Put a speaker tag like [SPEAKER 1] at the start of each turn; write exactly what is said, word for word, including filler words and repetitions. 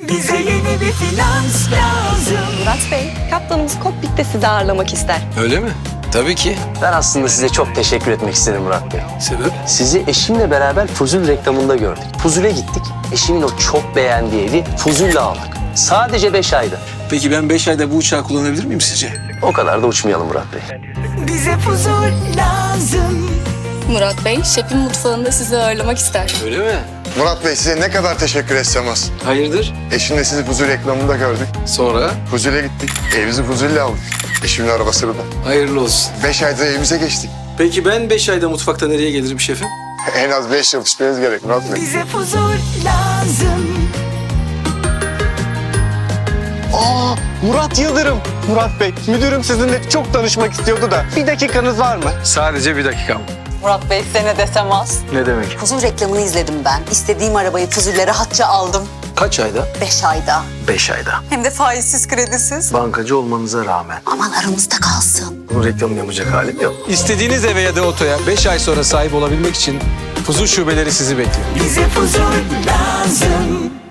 [SPEAKER 1] Bize yeni bir finans lazım.
[SPEAKER 2] Murat Bey, kaptanımız kokpitte sizi ağırlamak ister.
[SPEAKER 3] Öyle mi? Tabii ki.
[SPEAKER 4] Ben aslında size çok teşekkür etmek istedim Murat Bey.
[SPEAKER 3] Sebep?
[SPEAKER 4] Sizi eşimle beraber Fuzul reklamında gördük. Fuzul'e gittik. Eşimin o çok beğendiği evi Fuzul'le aldık. Sadece beş ayda.
[SPEAKER 3] Peki ben beş ayda bu uçağı kullanabilir miyim sizce?
[SPEAKER 4] O kadar da uçmayalım Murat Bey.
[SPEAKER 1] Bize huzur lazım.
[SPEAKER 5] Murat Bey, şefin mutfağında sizi ağırlamak ister.
[SPEAKER 3] Öyle mi?
[SPEAKER 6] Murat Bey size ne kadar teşekkür etsem az.
[SPEAKER 3] Hayırdır?
[SPEAKER 6] Eşimle sizi Fuzul reklamında gördük.
[SPEAKER 3] Sonra?
[SPEAKER 6] Fuzul'e gittik. Evimizi Fuzul'le aldık. Eşimin arabasını da.
[SPEAKER 3] Hayırlı olsun.
[SPEAKER 6] Beş ayda evimize geçtik.
[SPEAKER 3] Peki ben beş ayda mutfakta nereye gelirim şefim?
[SPEAKER 6] En az beş yıl pişmeniz gerek Murat Bey.
[SPEAKER 1] Bize huzur lazım.
[SPEAKER 7] Aa, Murat Yıldırım. Murat Bey, müdürüm sizinle çok tanışmak istiyordu da. Bir dakikanız var mı?
[SPEAKER 3] Sadece bir dakikam.
[SPEAKER 2] Murat Bey, size ne desem az.
[SPEAKER 3] Ne demek?
[SPEAKER 8] Fuzul reklamını izledim ben. İstediğim arabayı Fuzul'le rahatça aldım.
[SPEAKER 3] Kaç ayda?
[SPEAKER 8] Beş ayda.
[SPEAKER 3] Beş ayda.
[SPEAKER 8] Hem de faizsiz kredisiz.
[SPEAKER 3] Bankacı olmanıza rağmen.
[SPEAKER 8] Aman aramızda kalsın.
[SPEAKER 3] Bunun reklamını yapacak halim yok.
[SPEAKER 9] İstediğiniz eve ya da otoya beş ay sonra sahip olabilmek için Fuzul şubeleri sizi bekliyor.
[SPEAKER 1] Bize huzur lazım.